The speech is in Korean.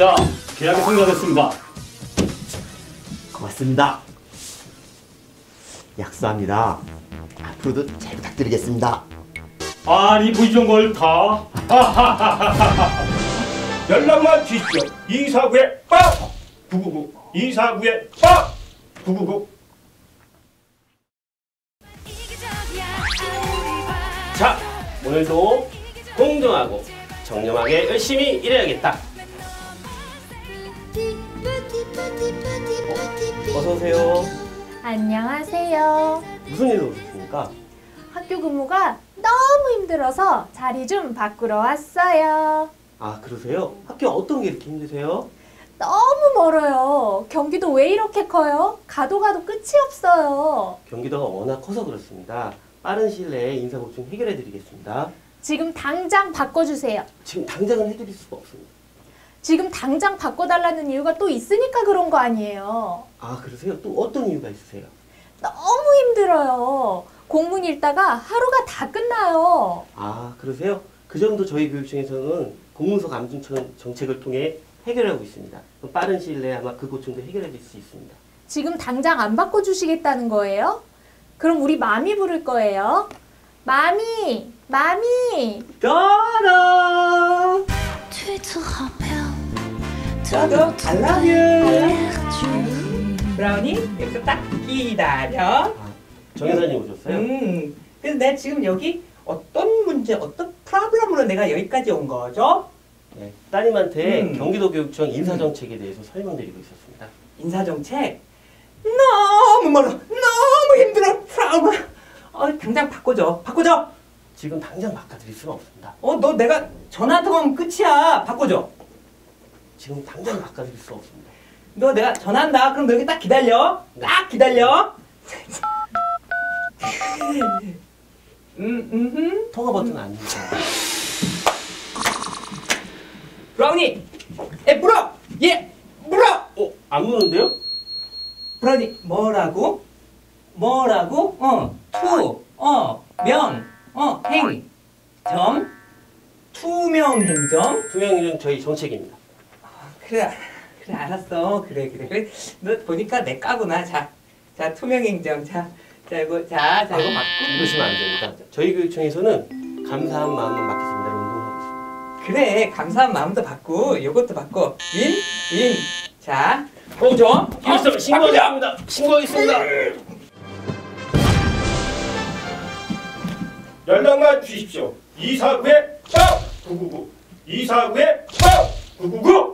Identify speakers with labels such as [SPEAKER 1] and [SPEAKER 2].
[SPEAKER 1] 자, 계약이 성사됐습니다.
[SPEAKER 2] 고맙습니다. 약속합니다. 앞으로도 잘 부탁드리겠습니다.
[SPEAKER 1] 아니, 뭐 이런 걸 다.
[SPEAKER 3] 연락만 주십시오. 249에 빡! 999 249에 빡! 999.
[SPEAKER 4] 자, 오늘도 공정하고 정렴하게 열심히 일해야겠다. 어서 오세요.
[SPEAKER 5] 안녕하세요.
[SPEAKER 4] 무슨 일로 오셨습니까?
[SPEAKER 5] 학교 근무가 너무 힘들어서 자리 좀 바꾸러 왔어요.
[SPEAKER 4] 아, 그러세요? 학교 어떤 게 이렇게 힘드세요?
[SPEAKER 5] 너무 멀어요. 경기도 왜 이렇게 커요? 가도 끝이 없어요.
[SPEAKER 4] 경기도가 워낙 커서 그렇습니다. 빠른 시일 내에 인사고충 해결해 드리겠습니다.
[SPEAKER 5] 지금 당장 바꿔주세요.
[SPEAKER 4] 지금 당장은 해드릴 수가 없습니다.
[SPEAKER 5] 지금 당장 바꿔달라는 이유가 또 있으니까 그런 거 아니에요.
[SPEAKER 4] 아, 그러세요? 또 어떤 이유가 있으세요?
[SPEAKER 5] 너무 힘들어요. 공문 읽다가 하루가 다 끝나요.
[SPEAKER 4] 아, 그러세요? 그 점도 저희 교육청에서는 공문서 감중 정책을 통해 해결하고 있습니다. 그럼 빠른 시일 내에 아마 그 고충도 해결해 줄 수 있습니다.
[SPEAKER 5] 지금 당장 안 바꿔주시겠다는 거예요? 그럼 우리 마미 부를 거예요. 마미! 마미!
[SPEAKER 4] 따라!
[SPEAKER 6] 저도 I love you. 브라우니 여기서 딱 기다려.
[SPEAKER 4] 아, 정 여사님 오셨어요?
[SPEAKER 6] 그래서 내가 지금 여기 어떤 문제, 어떤 프로블럼으로 내가 여기까지 온 거죠?
[SPEAKER 4] 네, 따님한테 경기도 교육청 인사정책에 대해서 설명드리고 있었습니다.
[SPEAKER 6] 인사정책? 너무 멀어. 너무 힘들어. 프라우마. 당장 바꿔줘. 바꿔줘.
[SPEAKER 4] 지금 당장 바꿔드릴 수는 없습니다.
[SPEAKER 6] 너 내가 전화 한 통하면 끝이야. 바꿔줘.
[SPEAKER 4] 지금 당장 바꿔드릴 수 없습니다.
[SPEAKER 6] 너 내가 전화한다. 그럼 너 여기 딱 기다려. 딱 기다려.
[SPEAKER 4] 통화 버튼 안 누르세요.
[SPEAKER 6] 브라우니! 물어! 물어!
[SPEAKER 4] 안 무는데요?
[SPEAKER 6] 브라우니, 뭐라고? 행, 점, 투명행점?
[SPEAKER 4] 투명인은 저희 정책입니다.
[SPEAKER 6] 그래, 알았어. 그래. 너 보니까 내 까구나. 자, 투명행점. 자, 이거 맞고.
[SPEAKER 4] 이러시면 안 됩니다. 저희 교육청에서는 감사한 마음만 받겠습니다. 운동하고 있습니다.
[SPEAKER 6] 그래, 감사한 마음도 받고, 이것도 받고, 윈. 자, 줘.
[SPEAKER 4] 신고하겠습니다. 신고하겠습니다.
[SPEAKER 3] 연락만 주십시오. 249에 빡! 999 249에 빡! 999.